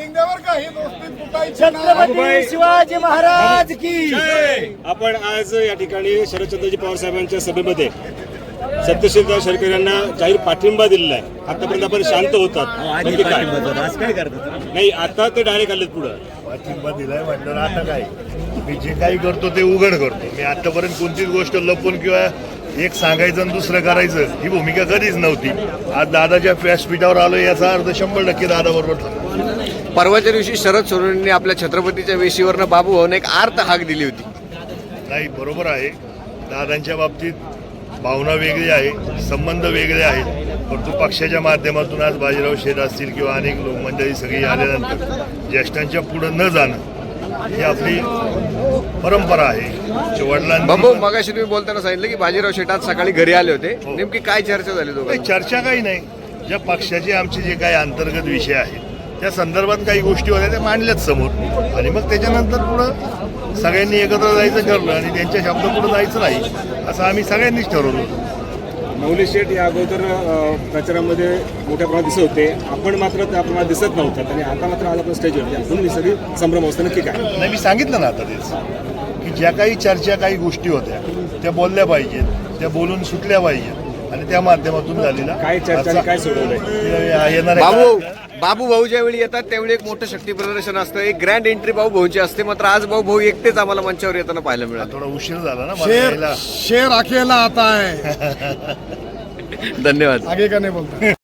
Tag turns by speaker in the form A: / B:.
A: शिंदेवर काही दोस्ती तुटायची
B: छत्रपती शिवाजी महाराज की
C: आपण आज या ठिकाणी शरदचंद्रजी पवार साहेबांच्या सभेमध्ये सत्यशीलदार शेरकर यांना जाहीर पाठिंबा दिलेला आहे. आतापर्यंत आपण शांत होतात, नक्की काय?
B: आज काय करतात?
C: नाही, आता ते डायरेक्ट आलेत पुढं.
D: पाठिंबा दिलाय म्हटलं आता काय, मी जे काही करतो ते उघड करतो. मी आतापर्यंत कोणतीच गोष्ट लपवून किंवा एक सांगायचं आणि दुसरं करायचं ही भूमिका कधीच नव्हती. आज दादाच्या व्यासपीठावर आलो याचा अर्थ 100% दादा बरोबर.
E: परवाच्या दिवशी शरद सोनवणेंनी आपल्या छत्रपतीच्या वेशीवरनं बाबू भाऊने एक आर्त हाक दिली होती.
D: नाही, बरोबर आहे. दादांच्या बाबतीत भावना वेगळी आहे, संबंध वेगळे आहेत. परंतु पक्षाच्या माध्यमातून आज बाजीराव शेठ असतील किंवा अनेक लोक मंडळी सगळी आल्यानंतर ज्येष्ठांच्या पुढे न जाणं ही आपली परंपरा आहे. वडिलांनी
E: बाबू, मगाशी तुम्ही बोलताना सांगितलं की बाजीराव शेठ आज सकाळी घरी आले होते. नेमकी काय चर्चा झाली
D: काही
E: दोघांची?
D: चर्चा काही नाही. ज्या पक्षाचे आमचे जे काही अंतर्गत विषय आहेत त्या संदर्भात काही गोष्टी होत्या त्या मांडल्याच समोर, आणि मग त्याच्यानंतर पुढं सगळ्यांनी एकत्र जायचं ठरलं आणि त्यांच्या शब्द पुढे जायचं नाही असं आम्ही सगळ्यांनीच ठरवलं.
C: मौली शेठ या अगोदर प्रचारामध्ये मोठ्या प्रमाणात दिसत होते, आपण मात्र त्या प्रमाणात दिसत नव्हतात आणि आता मात्र आज आपण स्टेजवरती अजून सगळी संभ्रम असतं. नक्की काय?
D: नाही, मी सांगितलं ना आता तेच की ज्या काही चर्चा काही गोष्टी होत्या त्या बोलल्या पाहिजेत, त्या बोलून सुटल्या पाहिजेत आणि त्या माध्यमातून झालेला
C: काय चर्चा आणि काय सोडवलंय?
E: बाबू बाबू भाऊ ज्यावेळी येतात त्यावेळी एक मोठं शक्ती प्रदर्शन असतं, एक ग्रँड एंट्री भाऊ भाऊची असते. मात्र आज भाऊ भाऊ एकटेच आम्हाला मंचावर येताना पाहायला मिळालं.
D: थोडा उशीर झाला ना मला यायला.
A: शेर अकेला आता है.
E: धन्यवाद.
A: आगे का नाही बोलतो.